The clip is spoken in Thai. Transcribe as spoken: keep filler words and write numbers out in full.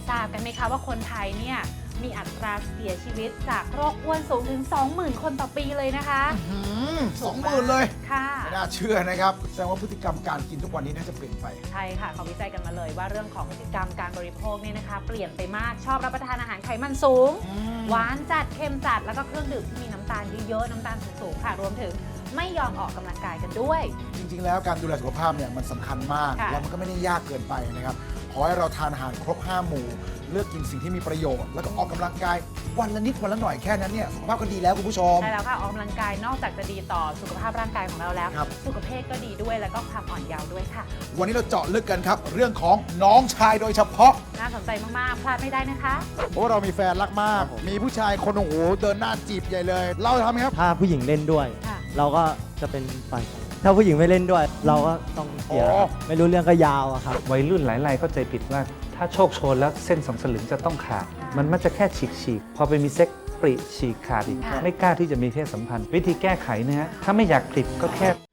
ทราบกันไหมคะว่าคนไทยเนี่ยมีอัตราเสียชีวิตจากโรคอ้วนสูงถึง สองหมื่น คนต่อปีเลยนะคะสองหมื่นเลยค่ะไม่น่าเชื่อนะครับแสดงว่าพฤติกรรมการกินทุกวันนี้น่าจะเปลี่ยนไปใช่ค่ะเขาวิจัยกันมาเลยว่าเรื่องของพฤติกรรมการบริโภคเนี่ยนะคะ เปลี่ยนไปมากชอบรับประทานอาหารไขมันสูง หวานจัดเค็มจัดแล้วก็เครื่องดื่มที่มีน้ำตาลเยอะๆน้ำตาลสูงๆค่ะรวมถึงไม่ยอมออกกำลังกายกันด้วยจริงๆ แล้วการดูแลสุขภาพเนี่ยมันสำคัญมากค่ะแล้วมันก็ไม่ได้ยากเกินไปนะครับขอให้เราทานอาหารครบห้าหมู่ เลือกกินสิ่งที่มีประโยชน์ แล้วก็ออกกำลังกายวันละนิดวันละหน่อยแค่นั้นเนี่ยสุขภาพก็ดีแล้วคุณผู้ชมใช่แล้วค่ะออกกำลังกายนอกจากจะดีต่อสุขภาพร่างกายของเราแล้วครับสุขภาพก็ดีด้วยแล้วก็ความอ่อนเยาว์ด้วยค่ะวันนี้เราเจาะลึกกันครับ เรื่องของน้องชายโดยเฉพาะน่าสนใจมากๆพลาดไม่ได้นะคะเพราะว่าเรามีแฟนรักมาก มีผู้ชายคนโอ้โหเดินหน้าจีบใหญ่เลย เราทำไหมครับถ้าผู้หญิงเล่นด้วยค่ะเราก็จะเป็นฝ่ายชนะถ้าผู้หญิงไม่เล่นด้วย เราก็ต้องเสียอ๋อไม่รู้เรื่องก็ยาวอะครับวัยรุ่นหลายรายเข้าใจผิดว่าถ้าโชคโชนแล้วเส้นสองสลึงจะต้องขาด มันมักจะแค่ฉีกฉีกๆพอไปมีเซ็กปริฉีกขาดอีกค่ะไม่กล้าที่จะมีเพศสัมพันธ์ วิธีแก้ไขนะฮะถ้าไม่อยากผลิตก็แค่